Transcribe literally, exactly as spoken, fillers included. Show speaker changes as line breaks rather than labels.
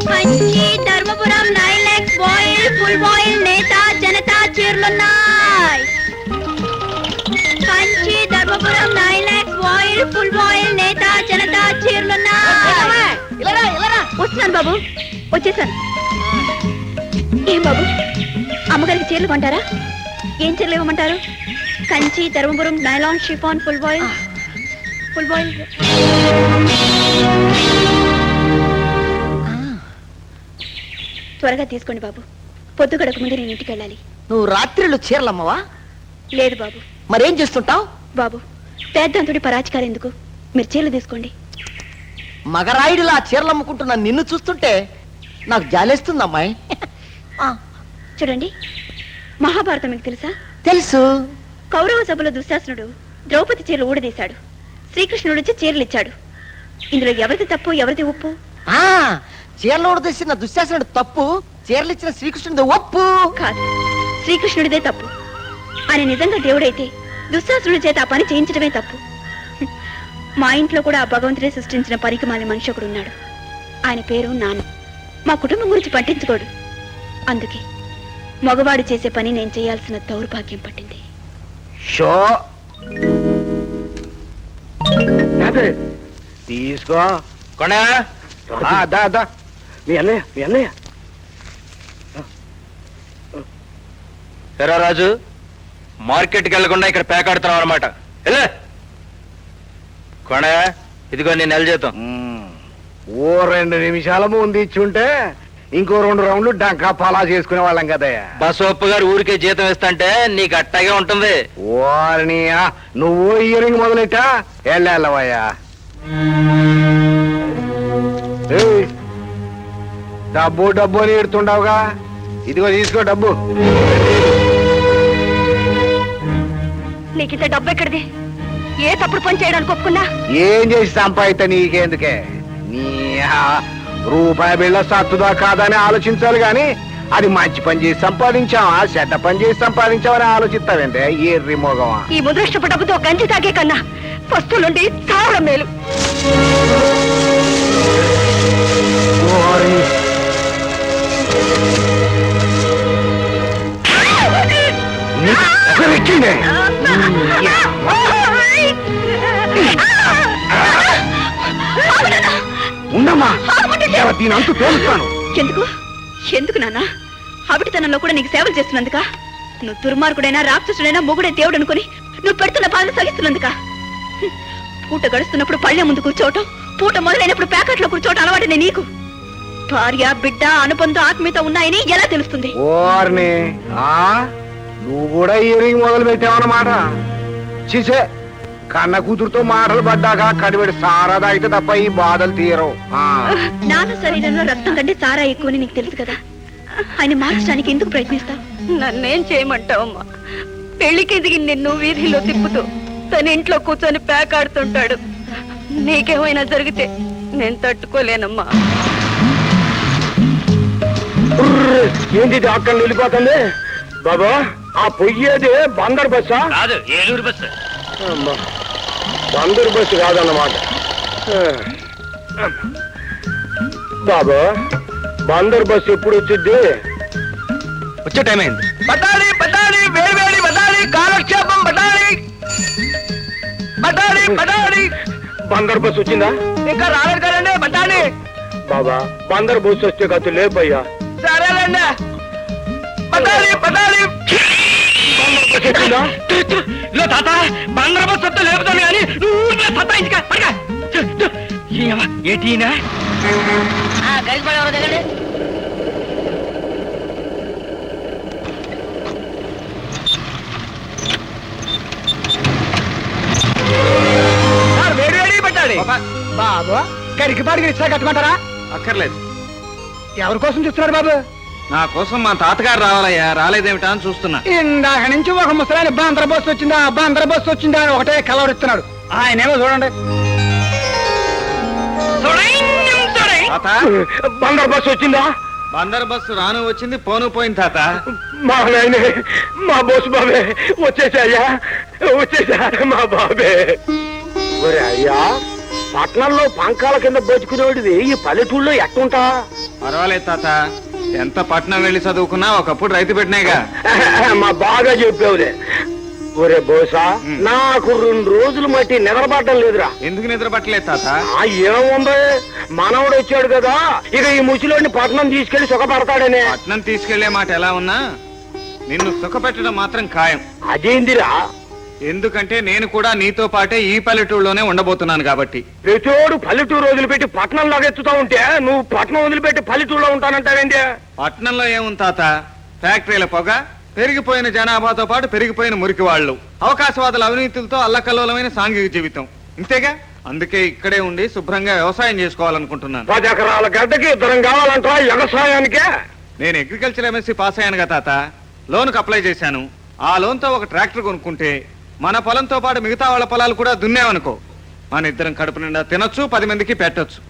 Kanchi Dharmapuram nine X voile full voile నేతా జనతా చీరలున్నాయి. Kanchi Dharmapuram nine X voile full voile నేతా జనతా చీరలున్నాయి. వస్తున్నాను బాబు, వచ్చేసాను. ఏం బాబు, అమ్మగారికి చీరలు కొంటారా? ఏం చీరలు ఇవ్వమంటారు? Kanchi Dharmapuram nylon chiffon full voile full voile త్వరగా తీసుకోండి బాబు, పొద్దు గడక ముందు నేను ఇంటికి వెళ్ళాలి.
నువ్వు రాత్రిళ్ళు చీరలమ్మవా?
లేదు బాబు.
మరేం చేస్తుంటావు?
బాబు, పేద్దంతుడి పరాచికారు ఎందుకు, మీరు చీరలు తీసుకోండి.
మగరాయుడిలా చీరలు అమ్ముకుంటున్న నిన్ను చూస్తుంటే నాకు జాలేస్తుంది అమ్మాయి.
చూడండి, మహాభారతం మీకు తెలుసా?
తెలుసు.
కౌరవ సభలో దుశ్శాసనుడు ద్రౌపది చీరలు ఊడదీశాడు, శ్రీకృష్ణుడు వచ్చి చీరలు ఇచ్చాడు. ఇందులో ఎవరిది తప్పు ఎవరిది ఒప్పు?
ఆ చీరలు ఊడదీసిన దుశ్శాసనుడు తప్పు, చీరలు ఇచ్చిన శ్రీకృష్ణుడి ఒప్పు.
కాదు, శ్రీకృష్ణుడిదే తప్పు. ఆయన నిజంగా దేవుడైతే దుశ్శాసనుడి చేత ఆ పని చేయించడమే తప్పు. మా ఇంట్లో కూడా ఆ భగవంతుడే సృష్టించిన పరికమాలి మనిషి ఒకడు ఉన్నాడు. ఆయన పేరు నాన్న. మా కుటుంబం గురించి పట్టించుకోడు. అందుకే మగవాడు చేసే పని నేను చేయాల్సిన దౌర్భాగ్యం పట్టింది.
షో తీసుకో కొనా మీ అన్నయ్య మీ అన్నయ్య
ఎరా రాజు, మార్కెట్కి వెళ్లకుండా ఇక్కడ పేకాడుతున్నావు అనమాట. కొన ఇదిగో నేను నెల జీతం.
ఓ రెండు నిమిషాల ముందు ఇచ్చుంటే ఇంకో రెండు రౌండ్లు డంకా పలా చేసుకునే వాళ్ళం కదయ్యా.
బసవప్ప గారు ఊరికే జీతం ఇస్తాంటే నీకు అట్టాగే ఉంటుంది.
ఓర్నియా, నువ్వు ఇయరింగ్ మొదలెట్టా వెళ్ళవయ్యా. డబ్బు డబ్బు అని ఎడుతుండవుగా, ఇదిగో తీసుకో డబ్బు.
నీకింత డబ్బు ఎక్కడిది? ఏ తప్పుడు పని చేయడానికి ఒప్పుకున్నా?
ఏం చేసి సంపాదిత నీకెందుకే? నీ రూపాయి బిళ్ళ సత్తుదా కాదని ఆలోచించాలి గాని అది మంచి పని చేసి సంపాదించావా చెడ్డ పని చేసి సంపాదించావని ఆలోచిస్తావంటే ఎర్రి మోగమా.
ఈ ముదృష్టపు డబ్బుతో గంజి తాగే కన్నా వస్తువులుండి చావడం మేలు.
ఉండమ్మా, దీని అంతు తోలుస్తాను.
ఎందుకు ఎందుకు నాన్న? అవిటితనంలో కూడా నీకు సేవలు చేస్తున్నందుక? నువ్వు దుర్మార్గుడైనా రాక్షసుడైనా మొగుడే దేవుడు అనుకుని నువ్వు పెడుతున్న బాధ సహిస్తున్నందుక? పూట గడుస్తున్నప్పుడు పళ్ళె ముందు కూర్చోవటం, పూట మొదలైనప్పుడు ప్యాకెట్లో కూర్చోవటం అలవాటునే నీకు. భార్య బిడ్డ అనుబంధం ఆత్మీయత ఉన్నాయని ఎలా తెలుస్తుంది?
ఓర్ని నువ్వు కూడా ఇయరింగ్ మొదలు పెట్టావన్నమాట. చిసే కన్న కూతురుతో మాటలు పడ్డాక కడిపెడి సారాదా అయితే తప్ప ఈ బాధలు తీరవు.
నాన్న శరీరంలో రక్తం కంటే సారా ఎక్కువని నీకు తెలుసు కదా, ఆయన మార్చడానికి ఎందుకు ప్రయత్నిస్తావు? నన్నేం చేయమంటావమ్మా? పెళ్లికి ఎదిగి నిన్ను వీధిలో తిప్పుతూ తన ఇంట్లో కూర్చొని పేకాడుతుంటాడు. నీకేమైనా జరిగితే నేను తట్టుకోలేనమ్మా.
ఏంటి అక్కడ వెళ్ళిపోతుంది బాబా? ఆ పొయ్యేది బందర్ బస్సా?
కాదు, ఏలూరు బస్సు.
బందర్ బస్సు కాదన్నమాట. బాబా, బందర్ బస్సు ఎప్పుడు వచ్చింది?
వచ్చే టైం అయింది.
బటాలి బటాలి వేడి వేడి బటాలి, కాలక్షేపం బటాలి బటాలి బటాలి.
బందర్ బస్సు వచ్చిందా?
ఇంకా రాలేదు కదండి బటాలి.
బాబా, బందర్ బస్సు వస్తే కథ లేపయ్యా.
సరేలేండి బటాలి బటాలి.
తాత బందర బస్సు వస్తే లేపుతాను కానీ నువ్వు సత్తాయించుక ఏటీనా
కలిసి పడేవారు దగ్గర. వేడి వేడి పెట్టాలి బాబు. గడికి పాడికి రిక్షా కట్టుకుంటారా?
అక్కర్లేదు.
ఎవరి కోసం చూస్తున్నారు బాబు?
నా కోసం మా తాతగారు రావాలయ్యా, రాలేదేమిటా అని చూస్తున్నా.
ఇందాక నుంచి ఒక ముసలాయన బందర బస్సు వచ్చిందా బందర బస్సు వచ్చిందా అని ఒకటే కలవరిస్తున్నాడు. ఆయనేమో చూడండి, బందర బస్సు వచ్చిందా?
బందర్ బస్సు రాను వచ్చింది, పోను పోయింది తాత.
మా నాయనే, మా బోసు బాబే వచ్చేసాయ్యా, వచ్చేసా మా బాబే. ఒరే అయ్యా, పట్నంలో పంకాల కింద బతుకునేవాడివి ఈ పల్లెటూళ్ళలో ఎట్టుంటా?
పర్వాలేదు తాత, ఎంత పట్నం వెళ్ళి చదువుకున్నా ఒకప్పుడు రైతు పెట్టినాయిగా.
మా బాగా చెప్పావులే. ఒరే బోసా, నాకు రెండు రోజులు మట్టి నిద్రపడడం లేదురా.
ఎందుకు నిద్ర పట్టలేదు తాత?
ఆ ఏముంది, మనవడు వచ్చాడు కదా, ఇక ఈ ముసలోడిని పట్నం తీసుకెళ్లి సుఖపడతాడనే.
పట్నం తీసుకెళ్లే మాట ఎలా ఉన్నా నిన్ను సుఖపెట్టడం మాత్రం ఖాయం.
అదేందిరా?
ఎందుకంటే నేను కూడా నీతో పాటే ఈ పల్లెటూరులోనే ఉండబోతున్నాను కాబట్టి.
ప్రతిోడు పల్లెటూరు వదిలిపెట్టి పట్నం లాగెత్తుతా ఉంటే నువ్వు పట్నం వదిలిపెట్టి పల్లెటూరులో ఉంటానంటావేంటి?
పట్నంలో ఏముంది తాత, ఫ్యాక్టరీల పొగ, పెరిగిపోయిన జనాభాతో పాటు పెరిగిపోయిన మురికి వాళ్ళు, అవకాశవాదుల అవినీతులతో అల్లకల్లోలమైన సాంఘిక జీవితం, ఇంతేగా. అందుకే ఇక్కడే ఉండి శుభ్రంగా వ్యవసాయం చేసుకోవాలనుకుంటున్నాను.
పది ఎకరాల గడ్డకి ఇద్దరం కావాలంటా వ్యవసాయానికే?
నేను అగ్రికల్చర్ ఎంఎస్సీ పాస్ అయ్యానుగా తాత, లోన్కి అప్లై చేశాను. ఆ లోన్తో ఒక ట్రాక్టర్ కొనుక్కుంటే మన పొలంతో పాటు మిగతా వాళ్ళ పొలాలు కూడా దున్నేవనుకో, మన ఇద్దరం కడుపు నిండా తినొచ్చు, పది మందికి పెట్టొచ్చు.